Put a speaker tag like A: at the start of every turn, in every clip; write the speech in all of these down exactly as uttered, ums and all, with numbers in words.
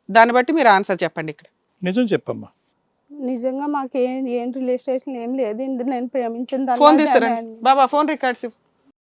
A: దాన్ని బట్టి మీరు ఆన్సర్ చెప్పండి ఇక్కడ.
B: నిజం చెప్పమ్మా.
C: నిజంగా మాకు ఏం ఏం రిలేషన్ ఏం లేదండి. నేను ప్రేమించిన
A: ఫోన్ తీసుకురండి బాబా, ఫోన్ రికార్డ్స్ ఇవ్వు.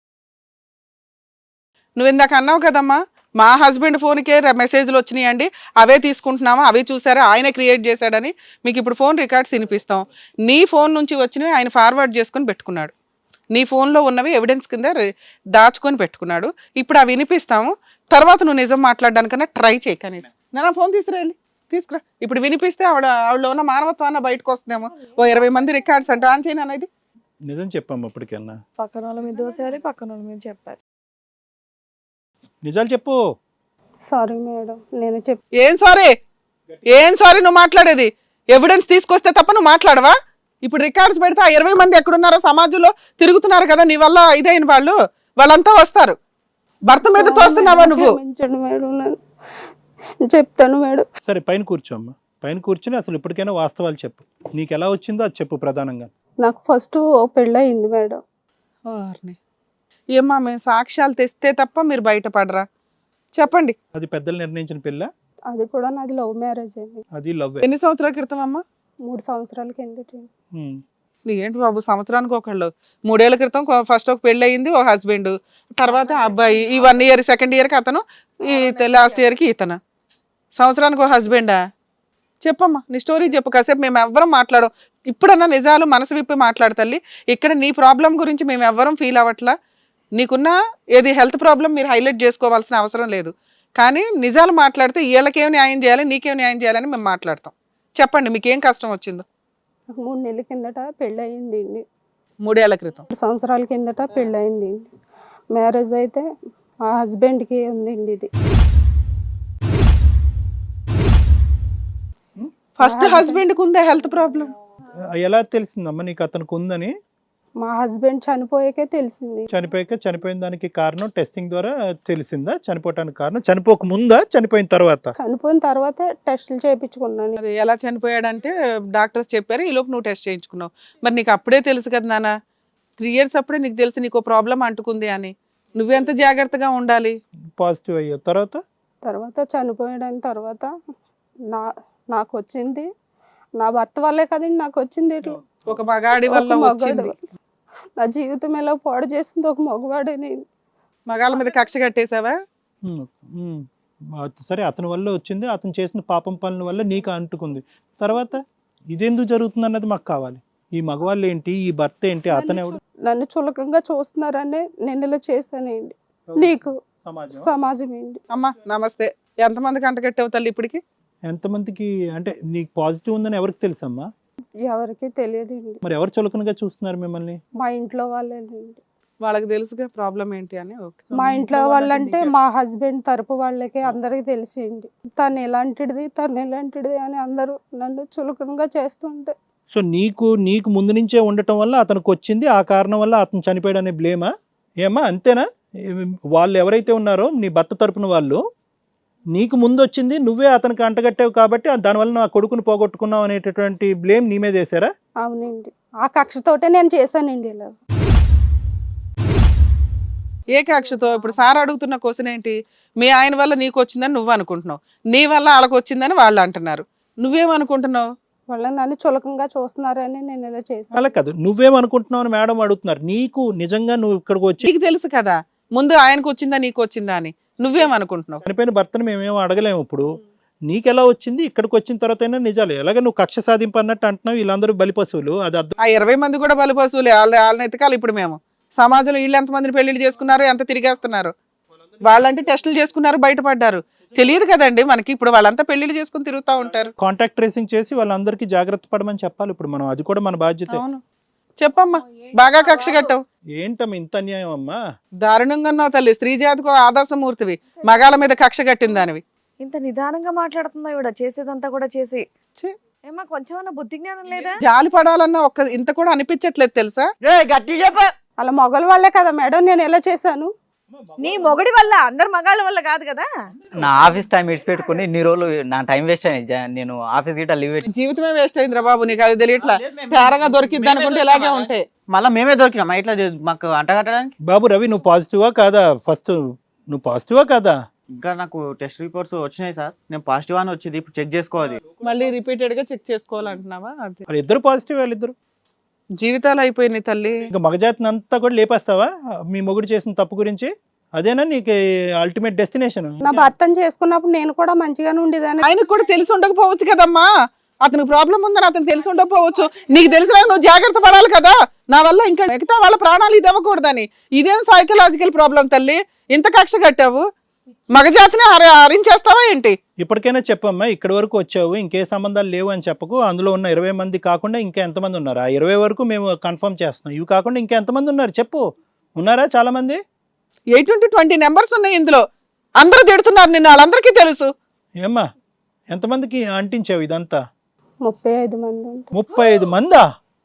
A: నువ్వు ఇందాక అన్నావు కదమ్మా, మా హస్బెండ్ ఫోన్కే మెసేజ్లు వచ్చినాయండి, అవే తీసుకుంటున్నామా, అవే చూసారా, ఆయన క్రియేట్ చేశాడని. మీకు ఇప్పుడు ఫోన్ రికార్డ్స్ వినిపిస్తాం. నీ ఫోన్ నుంచి వచ్చినవి ఆయన ఫార్వర్డ్ చేసుకొని పెట్టుకున్నాడు. నీ ఫోన్లో ఉన్నవి ఎవిడెన్స్ కింద దాచుకొని పెట్టుకున్నాడు. ఇప్పుడు అవి వినిపిస్తాము, తర్వాత నువ్వు నిజం మాట్లాడడానికన్నా ట్రై చేయి కనీసం. నా ఫోన్ తీసుకురాలి, తీసుకురా. ఇప్పుడు వినిపిస్తే ఆవిడ ఆవిడలో ఉన్న మానవత్వాన్ని బయటకు వస్తుందేమో. ఓ ఇరవై మంది రికార్డ్స్ అంటే ఆన్ చేయను అనేది.
B: నిజం చెప్పమ్మా. ఇప్పటికన్నా
D: పక్కన వాళ్ళ మీద దోసారి, పక్కన వాళ్ళ మీద చెప్పారు.
B: నిజాలు చెప్పు.
C: సారీ మేడం, నేను చెప్
A: ఏం సారీ, ఏం సారీ నువ్వు మాట్లాడేది? ఎవిడెన్స్ తీసుకొస్తే తప్ప నువ్వు మాట్లాడవా? ఇప్పుడు రికార్డ్స్ పెడితే ఆ ఇరవై మంది ఎక్కడున్నారో సమాజంలో తిరుగుతున్నారు కదా, నీ వల్ల ఇదైన వాళ్ళు, వాళ్ళంతా వస్తారు. భర్త మీద తోస్తున్నావా నువ్వు?
C: క్షమించండి మేడం, నేను చెప్తాను మేడం.
B: సరే పైన కూర్చోమ్మా. పైన కూర్చుని అసలు ఇప్పటికైనా వాస్తవాలు చెప్పు. నీకు ఎలా వచ్చిందో అది చెప్పు ప్రధానంగా.
C: నాకు ఫస్ట్ పెళ్ళి అయింది మేడం.
A: ఓర్ని. ఏమ్మా, మేము సాక్ష్యాలు తెస్తే తప్ప మీరు బయటపడరా? చెప్పండి.
B: అది పెద్దలు నిర్ణయించిన పిల్ల?
C: అది కూడా నాది లవ్ మ్యారేజ్ అండి.
B: అది లవ్.
A: ఎన్ని సంవత్సరాల క్రితం అమ్మా?
C: మూడు సంవత్సరాల కిందట.
A: ఏంటి బాబు, సంవత్సరానికి ఒకళ్ళు. మూడేళ్ల క్రితం ఫస్ట్ ఒక పెళ్ళి అయింది, ఒక హస్బెండ్, తర్వాత అబ్బాయి, ఈ వన్ ఇయర్ సెకండ్ ఇయర్కి అతను, ఈ లాస్ట్ ఇయర్కి ఇతను. సంవత్సరానికి ఒక హస్బెండా? చెప్పమ్మా నీ స్టోరీ చెప్పు. కాసేపు మేము ఎవ్వరం మాట్లాడం. ఇప్పుడన్నా నిజాలు మనసు విప్పి మాట్లాడు తల్లి. ఇక్కడ నీ ప్రాబ్లం గురించి మేము ఎవ్వరం ఫీల్ అవ్వట్లా. నీకున్న ఏది హెల్త్ ప్రాబ్లం మీరు హైలైట్ చేసుకోవాల్సిన అవసరం లేదు. కానీ నిజాలు మాట్లాడితే వీళ్ళకేం న్యాయం చేయాలి, నీకేం న్యాయం చేయాలని మేము మాట్లాడతాం. చెప్పండి మీకేం కష్టం వచ్చిందో.
C: నాకు మూడు నెలల కిందట పెళ్ళి అయింది అండి.
A: మూడేళ్ల క్రితం.
C: మూడు సంవత్సరాల కిందట పెళ్ళి అయింది అండి. మ్యారేజ్ అయితే మా హస్బెండ్కి ఉందండి ఇది.
A: ఫస్ట్ హస్బెండ్కి ఉందా హెల్త్ ప్రాబ్లం?
B: ఎలా తెలిసిందమ్మా నీకు అతనికి ఉందని?
C: మా హస్బెండ్ చనిపోయాకే తెలిసింది.
B: చనిపోయాక, చనిపోయిన దానికి కారణం టెస్టింగ్ ద్వారా తెలిసిందా? చనిపోవటానికి కారణం చనిపోక ముందా, చనిపోయిన తర్వాత?
C: చనిపోయిన తర్వాత టెస్టులు చేయించుకున్నాను.
A: అది ఎలా చనిపోయాడంటే డాక్టర్స్ చెప్పారు, ఈ లోపు నువ్వు టెస్ట్ చేయించుకున్నావు. మరి నీకు అప్పుడే తెలుసు కదా నాన్న, త్రీ ఇయర్స్ అప్పుడే నీకు తెలుసు నీకు ప్రాబ్లం అంటుకుంది అని. నువ్వెంత జాగ్రత్తగా ఉండాలి.
B: పాజిటివ్ అయ్యా తర్వాత?
C: తర్వాత చనిపోయడం తర్వాత నా నాకు వచ్చింది నా భర్త వల్లే కదండి నాకు వచ్చింది. ఇట్లా
A: ఒక మగాడి వల్ల వచ్చింది.
C: నా జీవితం ఎలా పాడు చేసింది ఒక మగవాడని.
A: మగాళ్ళ మీద కక్ష కట్టేసావా?
B: సరే అతని వల్ల వచ్చింది, అతను చేసిన పాపం పనుల వల్ల నీకు అంటుకుంది. తర్వాత ఇదెందుకు జరుగుతుంది అన్నది మాకు కావాలి. ఈ మగవాళ్ళు ఏంటి, ఈ భర్త ఏంటి, అతను ఎవడు?
C: నన్ను చులకంగా చూస్తున్నారని నేను ఇలా చేశానండి. నీకు సమాజం ఏంటి.
A: అమ్మా నమస్తే. ఎంతమందికి అంటగట్టావు తల్లి ఇప్పటికి?
B: ఎంతమందికి అంటే నీకు పాజిటివ్ ఉందని ఎవరికి తెలుసమ్మా?
C: ఎవరికి తెలియదు.
B: మరి ఎవరు చులకనగా చూస్తున్నారు మిమ్మల్ని?
C: మా ఇంట్లో వాళ్ళేనండి.
A: వాళ్ళకి తెలుసుగా ప్రాబ్లం ఏంటి అని.
C: మా ఇంట్లో వాళ్ళంటే మా హస్బెండ్ తరపు వాళ్ళకి అందరికి తెలిసింది. తను ఎలాంటిది తను ఎలాంటిది అని అందరూ నన్ను చులకనగా చేస్తుంటే.
B: సో నీకు నీకు ముందు నుంచే ఉండటం వల్ల అతనికి వచ్చింది, ఆ కారణం వల్ల అతను చనిపోయాడు అనే బ్లేమా? ఏమా అంతేనా? వాళ్ళు ఎవరైతే ఉన్నారో నీ భర్త తరపున వాళ్ళు, నీకు ముందు వచ్చింది, నువ్వే అతనికి అంటగట్టావు కాబట్టి దానివల్ల నా కొడుకుని పోగొట్టుకున్నావు అనేటటువంటి బ్లేమ్ నీ మీద వేసారా?
C: అవునండి, ఆ కక్షతోటే నేను చేశానండి ఇలా.
A: ఏ కక్షతో? ఇప్పుడు సార్ అడుగుతున్న క్వశ్చన్ ఏంటి? మీ ఆయన వల్ల నీకు వచ్చిందని నువ్వు అనుకుంటున్నావు, నీ వల్ల వాళ్ళకి వచ్చిందని వాళ్ళు అంటున్నారు. నువ్వేమనుకుంటున్నావు?
C: వాళ్ళ నన్ను చులకంగా చూస్తున్నారని నేను ఇలా చేశాను.
B: అలా కాదు, నువ్వేమనుకుంటున్నావు అని మేడం అడుగుతున్నారు. నీకు నిజంగా నువ్వు ఇక్కడికి వచ్చి
A: నీకు తెలుసు కదా ముందు ఆయనకు వచ్చిందా నీకు వచ్చిందా అని. నువ్వేమనుకుంటున్నావు?
B: చనిపోయిన భర్తను మేమేమో అడగలేము. ఇప్పుడు నీకెలా వచ్చింది, ఇక్కడికి వచ్చిన తర్వాత అయినా నిజాలు. ఎలాగ నువ్వు కక్ష సాధింపు అన్నట్టు అంటున్నావు, వీళ్ళందరూ బలి పశువులు. అది అర్థం.
A: ఆ ఇరవై మంది కూడా బలి పశువులే. వాళ్ళ వాళ్ళని ఎతకాలి. ఇప్పుడు మేము సమాజంలో వీళ్ళు ఎంతమందిని పెళ్లిళ్ళు చేసుకున్నారు, ఎంత తిరిగేస్తున్నారు. వాళ్ళంటే టెస్టులు చేసుకున్నారు, బయటపడ్డారు. తెలియదు కదండి మనకి. ఇప్పుడు వాళ్ళంతా పెళ్లిళ్ళు చేసుకుని తిరుగుతూ ఉంటారు.
B: కాంటాక్ట్ ట్రేసింగ్ చేసి వాళ్ళందరికీ జాగ్రత్త పడమని చెప్పాలి ఇప్పుడు మనం. అది కూడా మన బాధ్యత.
A: అవును చెప్పమ్మా. బాగా కక్ష కట్టావు.
B: ఏంటమ్మా ఇంత అన్యాయం అమ్మా?
A: దారుణంగా ఉన్నావు తల్లి. స్త్రీ జాతికి ఆదర్శమూర్తివి, మగాళ్ళ మీద కక్ష కట్టిందానివి.
D: ఇంత నిదానంగా మాట్లాడుతుందా ఇవిడ? చేసేదంతా కూడా చేసి ఏమా కొంచెం బుద్ధి జ్ఞానం లేదా?
A: జాలి పడాలన్నా ఒక్క ఇంత కూడా అనిపించట్లేదు తెలుసా?
C: అలా మొగల వాళ్ళే కదా మేడం నేను ఎలా చేశాను.
D: నీ మొగడి వల్ల, అందరు మగాళ్ళ వల్ల కాదు కదా.
E: నా ఆఫీస్ టైం ఇడిచి పెట్టుకుని ఇన్ని రోజులు నా టైం వేస్ట్ అయింది. నేను ఆఫీస్ గిట్ట లీవ్ పెట్టి
A: జీవితమే వేస్ట్ అయిందిరా బాబు. నీకు అది తెలియట్లా. తేరగా దొరికిద్ది అనుకుంటే ఇలాగే ఉంటాయి.
E: మళ్ళీ మేమే దొరికినాం ఇట్లా మాకు అంటగట్టడానికి.
B: బాబు రవి, నువ్వు పాజిటివా కాదా? ఫస్ట్ నువ్వు పాజిటివా కాదా?
F: ఇంకా నాకు టెస్ట్ రిపోర్ట్స్ వచ్చినాయి సార్, నేను పాజిటివ్ అని వచ్చింది, ఇప్పుడు చెక్ చేసుకోవాలి.
A: మళ్ళీ రిపీటెడ్ గా చెక్ చేసుకోవాలంటున్నావా? అది
B: వాళ్ళు ఇద్దరు పాజిటివ్, వాళ్ళిద్దరు
A: జీవితాలు అయిపోయినాయి తల్లి.
B: ఇంకా మగజాతిని అంతా కూడా లేపేస్తావా మీ మొగుడు చేసిన తప్పు గురించి? అదేనా నీకు అల్టిమేట్ డెస్టినేషన్?
C: నా భర్తను చేసుకున్నప్పుడు నేను కూడా మంచిగానే ఉండేదాన్ని.
A: ఆయనకు కూడా తెలిసి ఉండకపోవచ్చు కదమ్మా, అతనికి ప్రాబ్లం ఉందని అతను తెలిసి ఉండకపోవచ్చు. నీకు తెలిసినా నువ్వు జాగ్రత్త పడాలి కదా, నా వల్ల ఇంకా మిగతా వాళ్ళ ప్రాణాలు ఇది అవ్వకూడదని. ఇదేం సైకలాజికల్ ప్రాబ్లం తల్లి, ఇంత కక్ష కట్టావు, మగజాతిని హరి హరించేస్తావా ఏంటి?
B: ఇప్పటికైనా చెప్పమ్మా, ఇక్కడి వరకు వచ్చావు, ఇంకే సంబంధాలు లేవు అని చెప్పకు. అందులో ఉన్న ఇరవై మంది కాకుండా ఇంకా ఎంతమంది ఉన్నారు? ఆ ఇరవై వరకు మేము కన్ఫర్మ్ చేస్తున్నాం. ఇవి కాకుండా ఇంకా ఎంతమంది ఉన్నారు చెప్పు. ఉన్నారా చాలా మంది?
A: ఎయిట్ నుండి ట్వంటీ నెంబర్స్ ఉన్నాయి ఇందులో, అందరూ తిడుతున్నారు నిన్ను, వాళ్ళందరికీ తెలుసు.
B: ఏమ్మా ఎంతమందికి అంటించావు ఇదంతా?
C: ముప్పై ఐదు మంది ఉంటారు.
B: ముప్పై ఐదు మందా?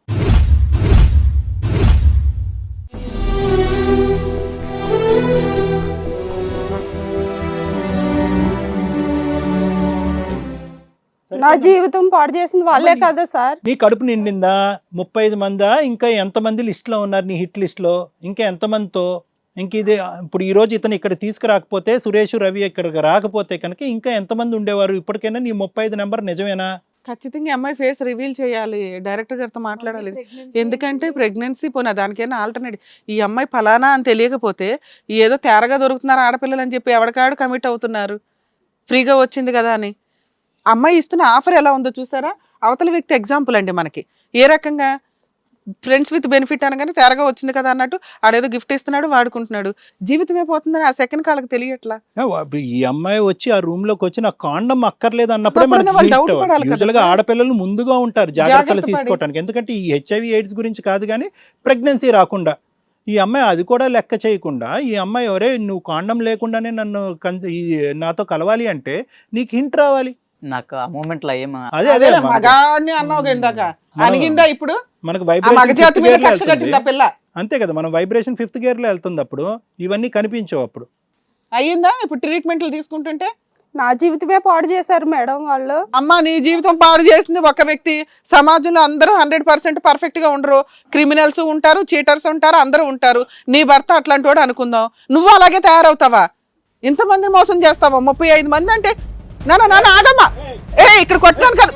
C: నా జీవితం పాడు చేసింది వాళ్ళే కదా సార్.
B: నీ కడుపు నిండిందా? ముప్పై ఐదు మందా? ఇంకా ఎంతమంది లిస్ట్ లో ఉన్నారు నీ హిట్ లిస్ట్ లో? ఇంకా ఎంతమందితో? ఇంక ఇది ఇప్పుడు ఈ రోజు ఇతను ఇక్కడ తీసుకురాకపోతే, సురేష్ రవి ఇక్కడికి రాకపోతే కనుక ఇంకా ఎంతమంది ఉండేవారు? ఇప్పటికైనా నీ ముప్పై ఐదు నెంబర్ నిజమేనా?
A: ఖచ్చితంగా అమ్మాయి ఫేస్ రివీల్ చేయాలి, డైరెక్టర్ గారితో మాట్లాడాలి. ఎందుకంటే ప్రెగ్నెన్సీ పోనా దానికైనా ఆల్టర్నేటివ్. ఈ అమ్మాయి ఫలానా అని తెలియకపోతే ఏదో తేరగా దొరుకుతున్నారు ఆడపిల్లలు అని చెప్పి ఎవరికాడు కమిట్ అవుతున్నారు, ఫ్రీగా వచ్చింది కదా అని. అమ్మాయి ఇస్తున్న ఆఫర్ ఎలా ఉందో చూసారా? అవతల వ్యక్తి ఎగ్జాంపుల్ అండి మనకి. ఏ రకంగా ఫ్రెండ్స్ విత్ బెనిఫిట్ అనగానే తేరగా వచ్చింది కదా అన్నట్టు ఆడేదో గిఫ్ట్ ఇస్తున్నాడు, వాడుకుంటున్నాడు. జీవితమే పోతుందని ఆ సెకండ్ కాళ్ళకి తెలియట్లా.
B: ఈ అమ్మాయి వచ్చి ఆ రూమ్ లోకి వచ్చి నాకు కాండం అక్కర్లేదు అన్నప్పుడే
A: అప్పుడైనా వాళ్ళు doubt పడాలి కదా
B: యూజువల్ గా
A: సార్.
B: ఆడపిల్లలు ముందుగా ఉంటారు జాగ్రత్తలు
A: జాగ్రత్త పడి.
B: తీసుకోవటానికి. ఎందుకంటే ఈ హెచ్ఐవి ఎయిడ్స్ గురించి కాదు కానీ ప్రెగ్నెన్సీ రాకుండా. ఈ అమ్మాయి అది కూడా లెక్క చేయకుండా ఈ అమ్మాయి ఎవరే నువ్వు కాండం లేకుండానే నన్ను కన్- ఈ నాతో కలవాలి అంటే నీకు హింట్ రావాలి.
E: నాకు ఆ మూమెంట్ లో ఏం
B: అదే అదే
A: అదే
B: మనకు-
A: మగాన్ని అన్నావు ఇందాక, అనిగిందా ఇప్పుడు?
B: మనకు
A: ఆ మగజాతి మీద కక్ష కట్టింది ఆ
B: వైబ్రేషన్
A: పిల్ల.
B: అంతే కదా, మనం వైబ్రేషన్ ఫిఫ్త్ గేర్ లో వెళ్తుంది, అప్పుడు ఇవన్నీ కనిపించవు. అప్పుడు
A: అయ్యిందా ఇప్పుడు ట్రీట్మెంట్లు తీసుకుంటుంటే?
C: నా జీవితమే పాడు చేశారు మేడం వాళ్ళు.
A: అమ్మ నీ జీవితం పాడు చేసింది ఒక వ్యక్తి. సమాజంలో అందరూ హండ్రెడ్ పర్సెంట్ పర్ఫెక్ట్ గా ఉండరు, క్రిమినల్స్ ఉంటారు, చీటర్స్ ఉంటారు, అందరూ ఉంటారు. నీ భర్త అట్లాంటి వాడు అనుకుందాం, నువ్వు అలాగే తయారవుతావా? ఇంతమందిని మోసం చేస్తావా? ముప్పై ఐదు మంది అంటే నాన్న నాన్న ఆగమ్మా, ఏ ఇక్కడ కొట్టాను కదా,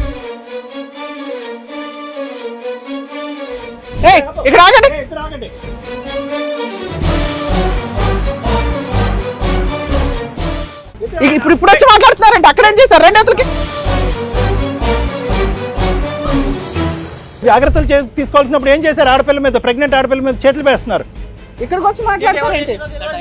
A: ఏ ఇక్కడ ఆగండి. ఇ- ఇప్పుడు ఇప్పుడు వచ్చి మాట్లాడుతున్నారండి, అక్కడ ఏం చేశారు రెండు అతలకి?
B: జాగ్రత్తలు చే- తీసుకోవాల్సినప్పుడు ఏం చేశారు? ఆడపిల్ల మీద, ప్రెగ్నెంట్ ఆడపిల్ల మీద చేతులు వేస్తున్నారు.
A: ఇక్కడికి వచ్చి మాట్లాడుతున్నారేంటి?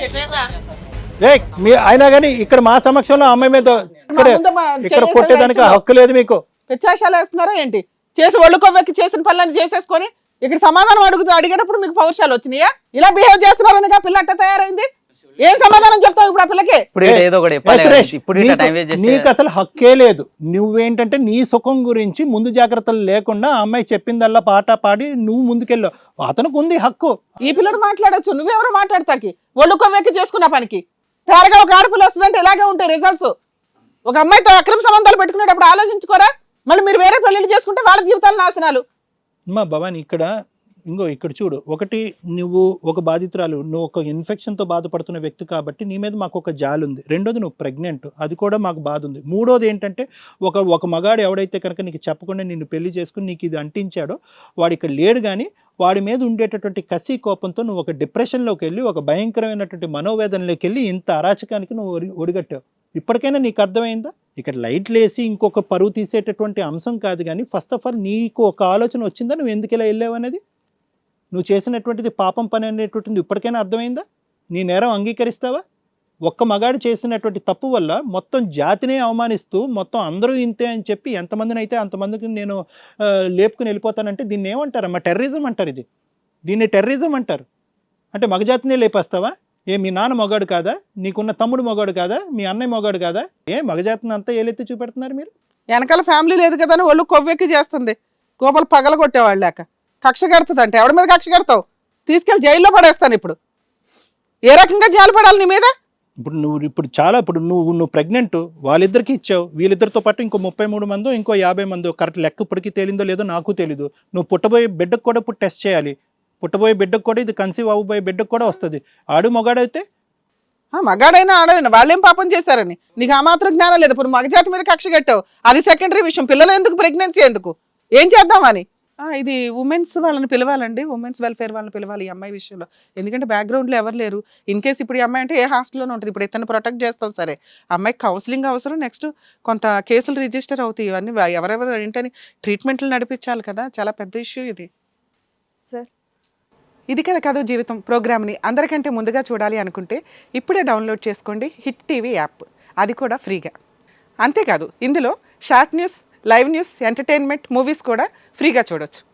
B: ఏ మీ అయినా కానీ ఇక్కడ మా సమక్షంలో ఆ అమ్మాయి మీద ఇక్కడ
A: మా ముందు మా
B: ఇక్కడ
A: చేసేసారు
B: కొట్టేదానికి
A: యాక్చువల్గా.
B: హక్కు లేదు మీకు.
A: పిచ్చాశాలు వేస్తున్నారా ఏంటి? చేసి ఒళ్ళు కొవ్వెక్కి చేసిన పనులను చేసేసుకొని ఇక్కడ సమాధానం అడుగుతూ అడిగేటప్పుడు మీకు పౌరుషాలు వచ్చినాయా? ఇలా బిహేవ్ చేస్తున్నారని పిల్ల అట్ట తయారైంది. ఏం సమాధానం చెప్తావు ఇప్పుడు ఆ పిల్లకి?
E: ఇప్పుడు
B: ఏ,
E: ఏదో ఒకటి
B: ఏ
E: చెప్పాలి కదా,
B: సురేష్,
E: ఇప్పుడు ఇట్లా
B: నీకు-
E: టైం వేస్ట్
B: నీకు
E: చేస్తే
B: అసలు హక్కే లేదు. నువ్వేంటంటే నీ సుఖం గురించి ముందు జాగ్రత్తలు లేకుండా ఆ అమ్మాయి చెప్పిందల్లా పాట పాడి నువ్వు ముందుకెళ్ళావు. అతనికి ఉంది హక్కు.
A: ఈ పిల్లడు మాట్లాడొచ్చు, నువ్వెవరు మాట్లాడతాకి? ఒళ్ళు కొవ్వెక్కి చేసుకున్న పనికి తేరగా ఒక ఆడపిల్ల వస్తుందంటే ఇలాగే ఉంటాయి రిజల్ట్స్. ఒక అమ్మాయితో అక్రమ సంబంధాలు పెట్టుకునేటప్పుడు ఆలోచించుకోరా? మళ్ళీ మీరు వేరే పెళ్లిళ్ళు చేసుకుంటే వాళ్ళ జీవితాలు నాశనాలు.
B: అమ్మా భవాని, ఇక్కడ ఇంకో ఇక్కడ చూడు, ఒకటి నువ్వు ఒక బాధితురాలు, నువ్వు ఒక ఇన్ఫెక్షన్తో బాధపడుతున్న వ్యక్తి కాబట్టి నీ మీద మాకు ఒక జాలి ఉంది. రెండోది నువ్వు ప్రెగ్నెంట్, అది కూడా మాకు బాధ ఉంది. మూడోది ఏంటంటే ఒక ఒక మగాడు ఎవడైతే కనుక నీకు చెప్పకుండా నిన్ను పెళ్లి చేసుకుని నీకు ఇది అంటించాడో వాడు ఇక్కడ లేడు. కానీ వాడి మీద ఉండేటటువంటి కసి కోపంతో నువ్వు ఒక డిప్రెషన్లోకి వెళ్ళి ఒక భయంకరమైనటువంటి మనోవేదనలోకి వెళ్ళి ఇంత అరాచకానికి నువ్వు ఒడి ఒడిగట్టావు. ఇప్పటికైనా నీకు అర్థమైందా? ఇక్కడ లైట్లు వేసి ఇంకొక పరువు తీసేటటువంటి అంశం కాదు, కానీ ఫస్ట్ ఆఫ్ ఆల్ నీకు ఒక ఆలోచన వచ్చిందా నువ్వు ఎందుకు ఇలా వెళ్ళావు అనేది? నువ్వు చేసినటువంటిది పాపం పని అనేటువంటిది ఇప్పటికైనా అర్థమైందా? నీ నేరం అంగీకరిస్తావా? ఒక్క మగాడు చేసినటువంటి తప్పు వల్ల మొత్తం జాతినే అవమానిస్తూ మొత్తం అందరూ ఇంతే అని చెప్పి ఎంతమందిని అయితే అంతమందికి నేను ఆ, లేపుకుని వెళ్ళిపోతానంటే దీన్ని ఏమంటారమ్మా? టెర్రరిజం అంటారు. ఇది దీన్ని టెర్రరిజం అంటారు. అంటే మగజాతినే లేపేస్తావా? ఏ మీ నాన్న మొగాడు కాదా? నీకున్న తమ్ముడు మొగాడు కాదా? మీ అన్నయ్య మొగాడు కాదా? ఏ మగజాతిని అంతా ఏలెత్తి చూపెడుతున్నారు మీరు?
A: వెనకాల ఫ్యామిలీ లేదు కదా అని ఒళ్ళు కొవ్వెక్కి చేస్తుంది. గోపాలు పగల కొట్టేవాళ్ళు లేక కక్ష కడుతుంది అంటే ఎవడి మీద కక్ష కడతావు? తీసుకెళ్లి జైల్లో పడేస్తాను. ఇప్పుడు ఏ రకంగా జాలి పడాలి నీ మీద?
B: ఇప్పుడు నువ్వు ఇప్పుడు చాలా ఇప్పుడు నువ్వు నువ్వు ప్రెగ్నెంట్ వాళ్ళిద్దరికి ఇచ్చావు, వీళ్ళిద్దరితో పాటు ఇంకో ముప్పై మూడు మందో ఇంకో యాభై మందో, కరెక్ట్ లెక్క ఇప్పటికీ తేలిందో లేదో నాకు తెలీదు. నువ్వు పుట్టబోయే బిడ్డకు కూడా ఇప్పుడు టెస్ట్ చేయాలి. పుట్టబోయే బిడ్డకు కూడా ఇది కన్సీవ్ అవ్వబోయే బిడ్డకు కూడా వస్తుంది. ఆడు మొగాడైతే
A: ఆ, మగాడైనా ఆడైనా వాళ్ళేం పాపం చేశారని నీకు ఆ మాత్రం జ్ఞానం లేదు. ఇప్పుడు మగజాతి మీద కక్ష కట్టావు, అది సెకండరీ విషయం. పిల్లలు ఎందుకు, ప్రెగ్నెన్సీ ఎందుకు, ఏం చేద్దామని. ఆ, ఇది ఉమెన్స్ వాళ్ళని పిలవాలండి, ఉమెన్స్ వెల్ఫేర్ వాళ్ళని పిలవాలి ఈ అమ్మాయి విషయంలో. ఎందుకంటే బ్యాక్గ్రౌండ్లో ఎవరు లేరు. ఇన్ కేసు ఇప్పుడు ఈ అమ్మాయి అంటే ఏ హాస్టల్లోనే ఉంటుంది. ఇప్పుడు ఇతను ప్రొటెక్ట్ చేస్తాం సరే, అమ్మాయికి కౌన్సిలింగ్ అవసరం, నెక్స్ట్ కొంత కేసులు రిజిస్టర్ అవుతాయి. ఇవన్నీ ఎవరెవరు ఏంటని ట్రీట్మెంట్లు నడిపించాలి కదా, చాలా పెద్ద ఇష్యూ ఇది.
D: సార్
A: ఇది కదా కథ జీవితం ప్రోగ్రామ్ని అందరికంటే ముందుగా చూడాలి అనుకుంటే ఇప్పుడే డౌన్లోడ్ చేసుకోండి హిట్ టీవీ యాప్, అది కూడా ఫ్రీగా. అంతేకాదు ఇందులో short news, live news, entertainment, movies కూడా ఫ్రీగా చూడొచ్చు.